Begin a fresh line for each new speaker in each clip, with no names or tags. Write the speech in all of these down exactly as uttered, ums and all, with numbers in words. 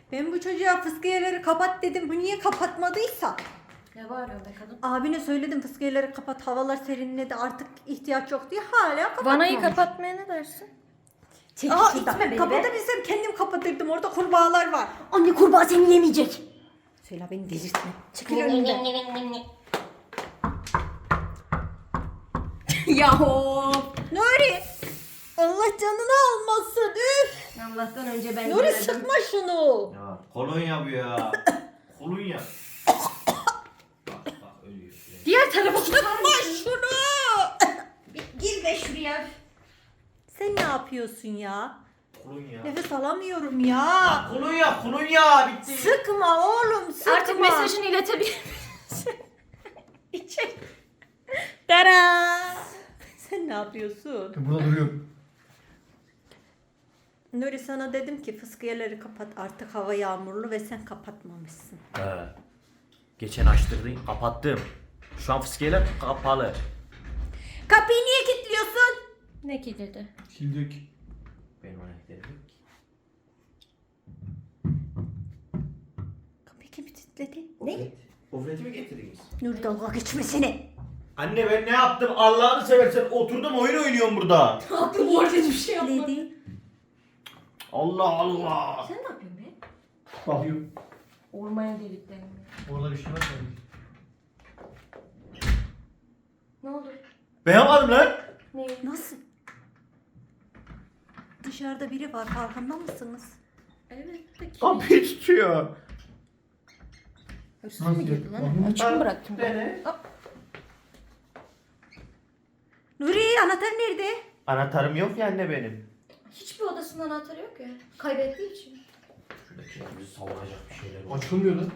Ben bu çocuğa fıskiyeleri kapat dedim. Bu niye kapatmadıysa?
Ne var öyle kadın?
Abine söyledim fıskiyeleri kapat. Havalar serinledi artık ihtiyaç yok diye hala kapatmamış.
Vanayı kapatmaya ne dersin?
Çek
Aa,
şuradan.
itme beni be.
Kapatabilsem kendim kapatırdım. Orada kurbağalar var.
Anne kurbağa seni yemeyecek.
Söyle beni delirtme. Çekil önümden.
Yahu.
Nuri. Allah canını almasın. Üf.
Allah'tan önce ben
Nuri
göredim.
sıkma şunu.
Ya kolonya bu ya. Kolonya. Bak bak ölüyor.
Diğer tarafa
Sıkma şunu.
Gir be şuraya.
Sen ne yapıyorsun ya?
Kolonya.
Nefes alamıyorum ya.
Ya kolonya kolonya bitti.
Sıkma oğlum sıkma.
Artık mesajını iletebilir misin?
İçeri. Tara. Sen ne yapıyorsun?
Burada duruyorum.
Nuri sana dedim ki fıskiyeleri kapat artık hava yağmurlu ve sen kapatmamışsın.
He. Geçen açtırdın kapattım. Şu an fıskiyeler kapalı.
Kapıyı niye kilitliyorsun?
Ne ki dedi?
Sildik.
Benim anahtarım yok ki.
Kapıyı kim kilitledi?
Ne? Ofreti mi getirdiniz?
Nuri dalga geçmesine.
Anne ben ne yaptım? Allah'ını seversen oturdum oyun oynuyorum burada.
Aklım orada bir şey yapmadı.
Kilitledi.
Allah Allah.
Sen ne yapıyorsun be?
Bakıyorum.
Ormaya deliklerini.
Orada bir şey var mı?
Ne oldu?
Ben yapmadım lan.
Ne?
Nasıl? Dışarıda biri var farkında mısınız?
Evet. Peki.
Kapıyı tutuyor.
Hırsız
Nasıl
mı girdi
ya?
lan?
Bakayım.
Açık mı bıraktın?
Beni.
Hop.
Nuri anahtar nerede?
Anahtarım yok ya anne benim.
Hiçbir odasında anahtarı yok ya. Kaybettiği için.
Şurada kendimizi savunacak bir şeyler var.
Açılmıyor lan.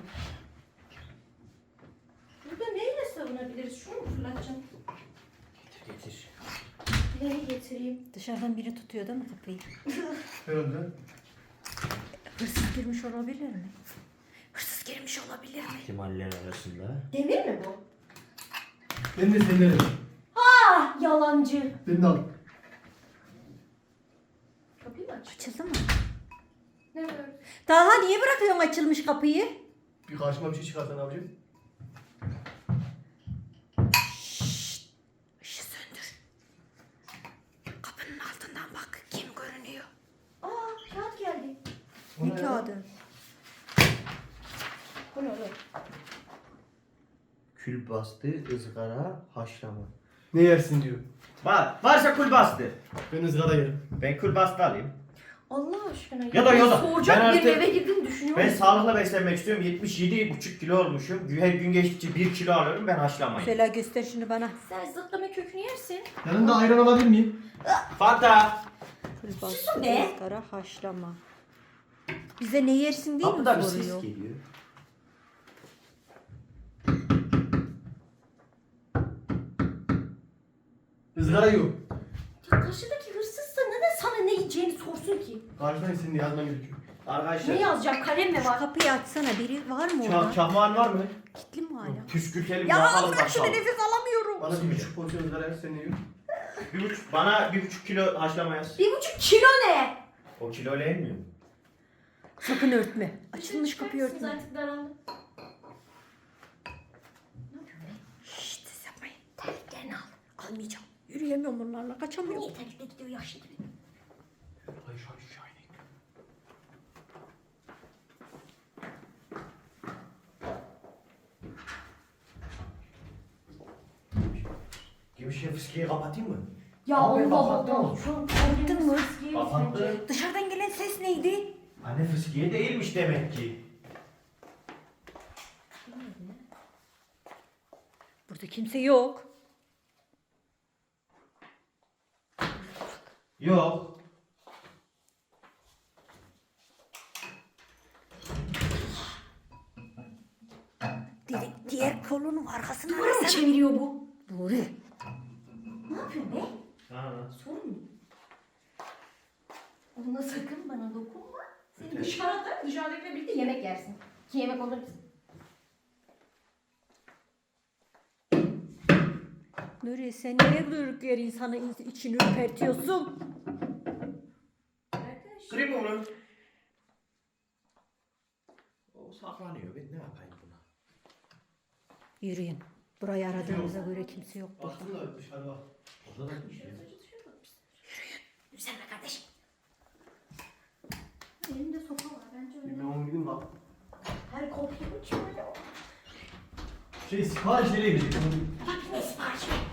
Burada neyle savunabiliriz? Şunu mu fırlatacaksın?
Getir getir.
Neyi getireyim?
Dışarıdan biri tutuyor değil mi kapıyı?
Herhalde.
Hırsız girmiş olabilir mi? Hırsız girmiş olabilir mi?
İhtimaller arasında.
Demir mi bu?
Ben de senden alırım.
Ah yalancı.
Ben de al.
Kapıyı mı aç?
Açıldı mı?
Ne var?
Daha niye bırakıyorsun açılmış kapıyı?
Bir karşıma bir şey çıkarsa ne yapacağım?
Işığı söndür. Kapının altından bak kim görünüyor?
Aa kağıt geldi.
O
Ne
ne
kağıdı?
Bu ne lan?
Kül bastı, ızgara, haşlama.
Ne yersin diyor.
Var, varsa kül bastı.
Ben ızgara yerim.
Ben kül bastı alayım.
Allah aşkına.
Ya da ya da.
Soğuyacak
Ben
bir
artık-
eve girdin düşünüyorum.
Ben sağlıklı beslenmek istiyorum. yetmiş yedi buçuk kilo olmuşum. Her gün geçtikçe bir kilo alıyorum. Ben haşlamayım.
Söyle göster şunu bana.
Sen zıtlama kökünü yersin.
Yanında ayran alabilir miyim?
Fanta.
Külbastı,
be.
ızgara, haşlama. Bize ne yersin diye mi
Kapıda bir ses
soruyor?
geliyor.
Izgara yiyor.
Ya karşıdaki hırsızsa neden sana ne yiyeceğini sorsun ki?
Karşıdan senin yazman gerekiyor.
Arkadaşlar.
Ne yazacağım? Kalem mi
Şu
var?
kapıyı açsana biri var mı
Çah
orada?
çahman var mı?
Kilitli mi hala?
Püskürtelim
Ya
bakalım
bırak şunu
bakalım.
nefes alamıyorum.
Bana bir buçuk porsiyon ızgara yer, sen ne yiyorsun?
Bir buçuk, bana bir buçuk kilo haşlama yaz.
Bir buçuk kilo ne?
O kiloyla yenmiyor mu?
Sakın örtme. Açılmış kapıyı
Çıkartırsınız
örtme.
artık daraldım.
Şşt ses yapmayın. Terliklerini al. Almayacağım. Yürüyemiyorum bunlarla kaçamıyorum.
Niye terlikle gidiyor yaşlı gibi?
Gümüşe fıskiyi kapatayım mı?
Ya
Abi,
Allah
kapattın
Allah.
mı?
Şu an
Kapattın mı?
Kapattı.
Dışarıdan gelen ses neydi?
Anne fıskiye değilmiş demek ki.
Burada kimse yok.
Yok.
Di- diğer kolunun arkasına
Duvara mı
arasana.
çeviriyor bu?
Nuri.
Ne yapıyorsun be?
Ha.
Sorun mu? Ona sakın bana dokunma. Seni dışarıda, dışarıdakiyle birlikte yemek yersin. Ki yemek olur musun?
Nuri sen niye durduk yere insanı in- içini ürpertiyorsun?
Arkadaş.
Kırayım mı onu? O saklanıyor. Ben ne yapayım buna?
Yürüyün. Burayı aradığımıza göre kimse yok burada.
Baktım da dışarı bak.
Orada da bir şey.
Yürüsene kardeşim.
Elimde sopa var. Bence
Bir
öyle.
ben onu gideyim bak.
Her kopya uçuyor öyle.
Şey sipariş nereye gidecek?
Bak ne sipariş ver.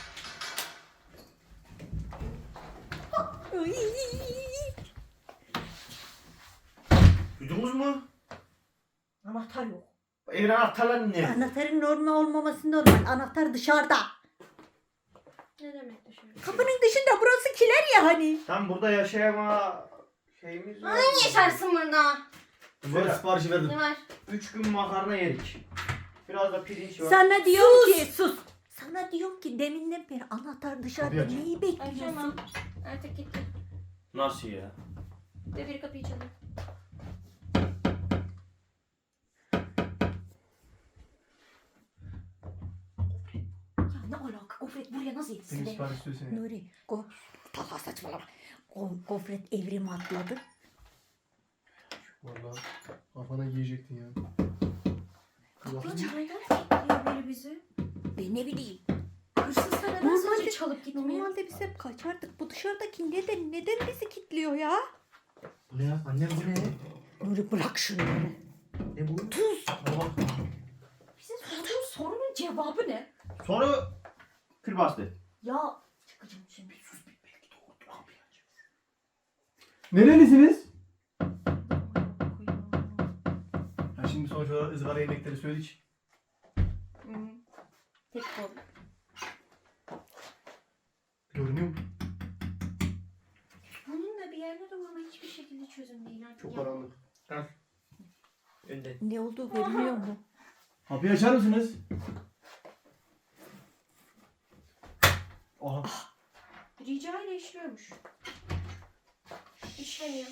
Duydunuz mu?
Anahtar yok.
Evin anahtarları ne?
Anahtarın normal olmaması normal. Anahtar dışarıda.
Ne demek dışarı?
Kapının dışında, burası kiler ya hani.
Tam burada yaşayama şeyimiz var.
Ay yaşarsın burada.
Böyle siparişi verdim.
Ne var?
Üç gün makarna yedik. Biraz da pirinç var.
Sana diyorum ki sus. Sana diyorum ki deminden beri anahtar dışarıda.
Kapıyı aç.
Neyi bekliyorsun?
Açamam. Artık gitti.
Nasıl ya?
Ve bir kapıyı çalıyor.
Ya ne alaka? Gofret buraya nasıl yetişti?
Senin
de?
sipariş söylesene.
Nuri, go Talha saçmalama. Go gofret evrim atladı.
Valla kafana giyecektin ya.
Kapıyı çalıyor. Bekliyor böyle bizi.
Ben ne bileyim.
Hırsızlar neden
Normalde-
sadece çalıp gitmiyor?
Normalde biz hep kaçardık. Bu dışarıdaki neden neden bizi kilitliyor ya?
Ne ya? Annem bu ne?
Nuri bırak şunu.
Ne bu?
Tuz.
Bak.
Bize sorduğun sorunun cevabı ne?
Soru kül bastı.
Ya çıkacağım şimdi.
Sus bir belki doğrudur abi ya.
Nerelisiniz? Ya şimdi sonuç olarak ızgara yemekleri söyledik.
Hı. Tek kol.
Görünüyor mu?
Bunun da bir yerde de ama hiçbir şekilde çözüm değil. Artık
Çok
ya.
karanlık.
Önden.
Ne olduğu görünüyor mu?
Kapıyı açar mısınız? Aha.
Rica ile işliyormuş. İşlemiyor.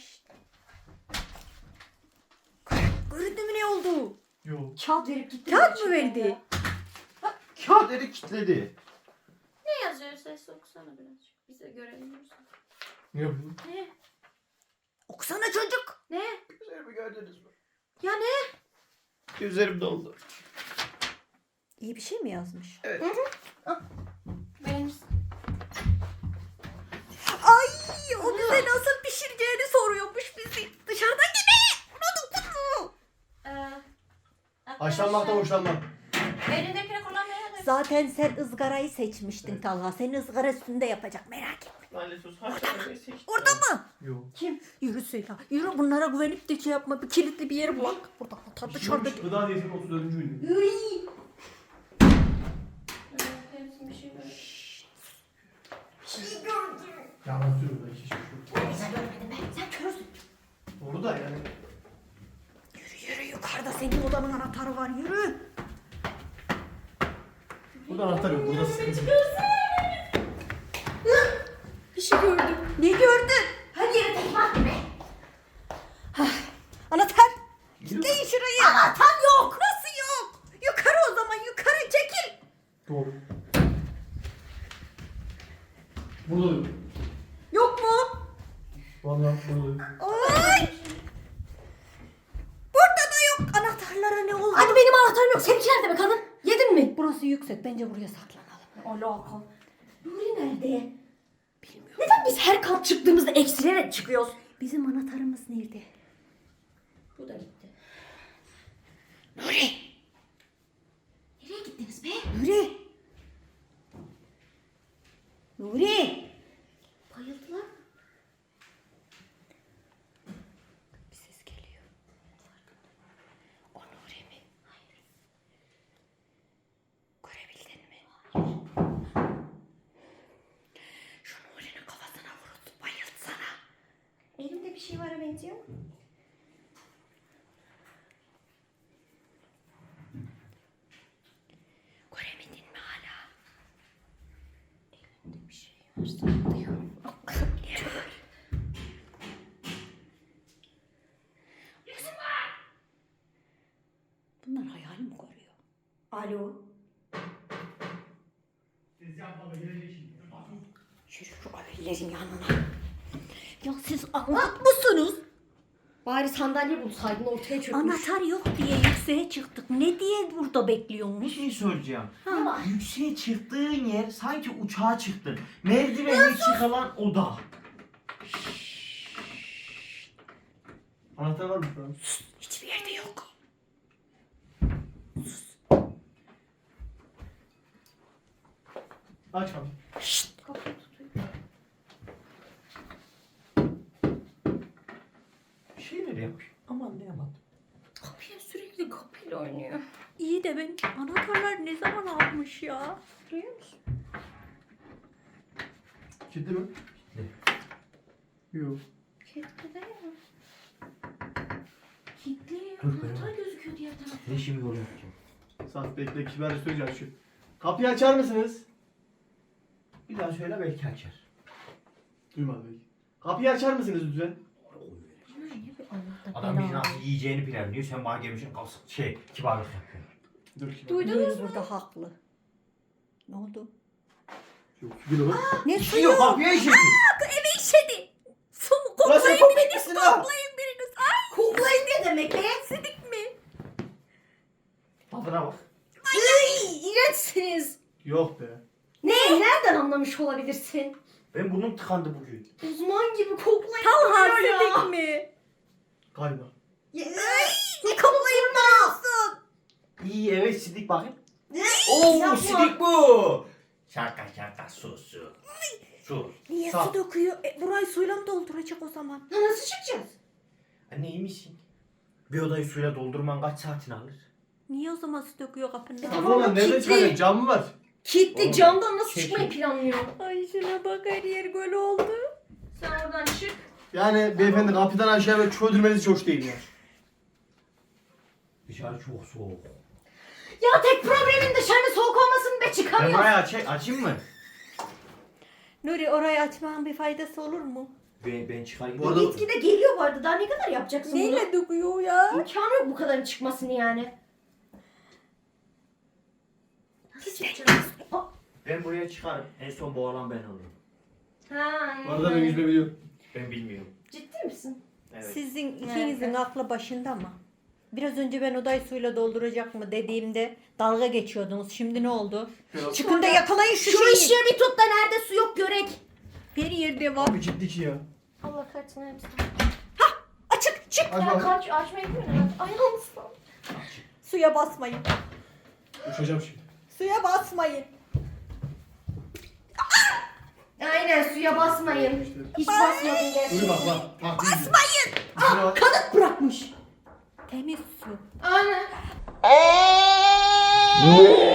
Göründü mü ne oldu?
Yok.
Kağıt verip gitti.
Kağıt mı
gerçekten
verdi?
ya.
Kağıt eli kilitledi.
Ne yazıyor? Ses okusana birazcık. Biz de görelim.
Ne yapıyorsun?
Ne?
Okusana çocuk.
Ne?
Üzerimi gördünüz mü?
Ya ne?
Üzerim doldu.
İyi bir şey mi yazmış?
Benim
Ay o bize nasıl pişireceğini soruyormuş bizi. Dışarıdan gibi. Unuttun mu?
Ee,
Haşlanmaktan hoşlanmam.
Elindekini kullanmaya da.
Zaten sen ızgarayı seçmiştin Talha. Seni ızgara üstünde yapacak, merak etme.
Lanet olsun. Haşlanmayı seçtim.
Orada mı?
Yok.
Kim?
Yürü Süheyla. Yürü, bunlara güvenip de şey yapma. Bir kilitli bir yer bulak. Burada anahtar dışarıda.
Gıda diyetinin otuz dördüncü ünlü.
Hepsi bir şey böyle.
Yalan söylüyorum da iki şey yok.
Sen görmedin be. Sen körsün.
Doğru da yani.
Yürü yürü, yukarıda senin odanın anahtarı var, yürü.
Burada anahtar yok. Burada sıkıntı.
Bir şey gördüm.
Ne gördün?
Hadi yere tekme at be.
Anahtar. Kilitleyin şurayı. Anahtar yok. Nasıl yok? Yukarı o zaman, yukarı çekil.
Doğru. Burada yok.
Yok mu?
Vallahi burada yok.
Ay. Burada da yok. Anahtarlara ne oldu?
Hadi benim anahtarım yok. Seninki nerede be kadın? Yedin mi?
Burası yüksek. Bence buraya saklanalım.
Alaka. Nuri nerede?
Bilmiyorum.
Neden biz her kat çıktığımızda eksilerek çıkıyoruz?
Bizim anahtarımız nerede?
Bu da gitti.
Nuri.
Nereye gittiniz be?
Nuri. Nuri.
Bayıldılar.
Bir ses geliyor. O Nuri mi? Hayır. Görebildin mi? Şu Nuri'nin kafasına vuruldu. Bayıltsana.
Elimde bir şey var benziyor.
Görebildin mi hala?
Elimde bir şey var sanıyor.
Bunlar hayal mi görüyor?
Alo.
Yürü şu abilerin yanına. Ya siz anlat mısınız?
Bari sandalye bulsaydın ortaya çökmüş.
Anahtar yok diye yükseğe çıktık. Ne diye burada
Bir
bekliyormuş?
şey soracağım.
Ha.
Yükseğe çıktığın yer sanki uçağa çıktın. Merdivenle çıkılan oda.
Anahtar var mı şu an?
Hiçbir yerde yok.
Aç abi.
Şşt.
Kapıyı tutuyor.
Bir şeyler yapıyor. Aman ne yaman.
Kapıya sürekli kapıyla oynuyor.
İyi de ben anahtarlar ne zaman almış ya?
Duyuyor musun?
Kilitli mi?
Kilitli.
Yok.
Kilitli değil mi? Kilitli.
Dur be.
Anahtar gözüküyor diğer tarafta.
Ne şimdi yol yapacağım?
Saf bekle kibarca söyleyeceğim şu. Kapıyı açar mısınız?
Bir daha söyle belki açar.
Duymadı belki. Kapıyı açar mısınız lütfen?
Bunlar niye bir anahtar
Adam bizi
bela?
nasıl yiyeceğini planlıyor. Sen bana gelmişsin kalsın. Şey kibarlık yapıyorsun.
Dur kibar.
Duydunuz
Nuri
mu?
burada haklı. Ne oldu?
Yok bir bak.
Ne
Bir şey
suyu?
yok kapıya işedi.
Eve işedi. Su mu?
Ulan sen
Koklayın biriniz.
koklayın lan.
Koklayın biriniz. Ay. Koklayın ne demek? Beğensidik mi?
Tadına bak.
Ay, iğrençsiniz.
Yok be.
Ne? Nereden anlamış olabilirsin?
Ben burnum tıkandı bugün.
Uzman gibi koklayıp
Talha
duruyor ya.
sidik mi?
Galiba.
Ya, Ay, ne koklayıp duruyorsun?
İyi evet sidik bakayım.
Oo,
Oo sidik bu. Şaka şaka su su. Su.
Niye
Sağ.
su döküyor? E, burayı suyla mı dolduracak o zaman?
Nasıl çıkacağız?
Anne iyi misin? Bir odayı suyla doldurman kaç saatini alır?
Niye o zaman su döküyor kapının?
E,
önüne?
tamam.
Tamam lan nereden
kilitli.
çıkacak? Cam mı var?
Kilitli
Oğlum,
camdan nasıl
çekil.
çıkmayı planlıyor?
Ay şuna bak her yer göl oldu.
Sen oradan çık.
Yani beyefendi kapıdan aşağı böyle çöldürmeniz hoş değil ya.
Dışarı çok soğuk.
Ya tek problemin dışarının soğuk olmasın be
Ben
çıkamıyorum.
burayı aç açayım mı?
Nuri orayı açmanın bir faydası olur mu?
Ben, ben çıkarayım.
Bu arada-
Gitgide geliyor bu arada. Daha ne kadar yapacaksın bunu?
Neyle döküyor ya?
İmkanı yok bu kadarın çıkmasını yani. Nasıl yapacağız? Aa,
Ben buraya çıkarım. En son boğalan ben olurum.
Ha,
Bu arada ben yüzme biliyorum.
Ben bilmiyorum.
Ciddi misin?
Evet.
Sizin
Evet.
ikinizin aklı başında mı? Biraz önce ben odayı suyla dolduracak mı dediğimde dalga geçiyordunuz. Şimdi ne oldu?
Biraz-
Çıkın da yakalayın şu,
Şu
şeyi.
ışığı bir tut da nerede su yok görek.
Her yerde var.
Abi ciddi ki ya.
Allah kahretsin hepsi.
Açık çık.
Aç
Ya
bakayım.
kaç açmayı bilmiyorum. Ayağım ıslan.
Suya basmayın.
Uçacağım şimdi.
Suya basmayın.
Aynen suya basmayın. Hiç basmadın
Dur
gerçekten.
bak bak. bak Basmayın. Aa,
Kanıt bırakmış.
Temiz su.
Aynen.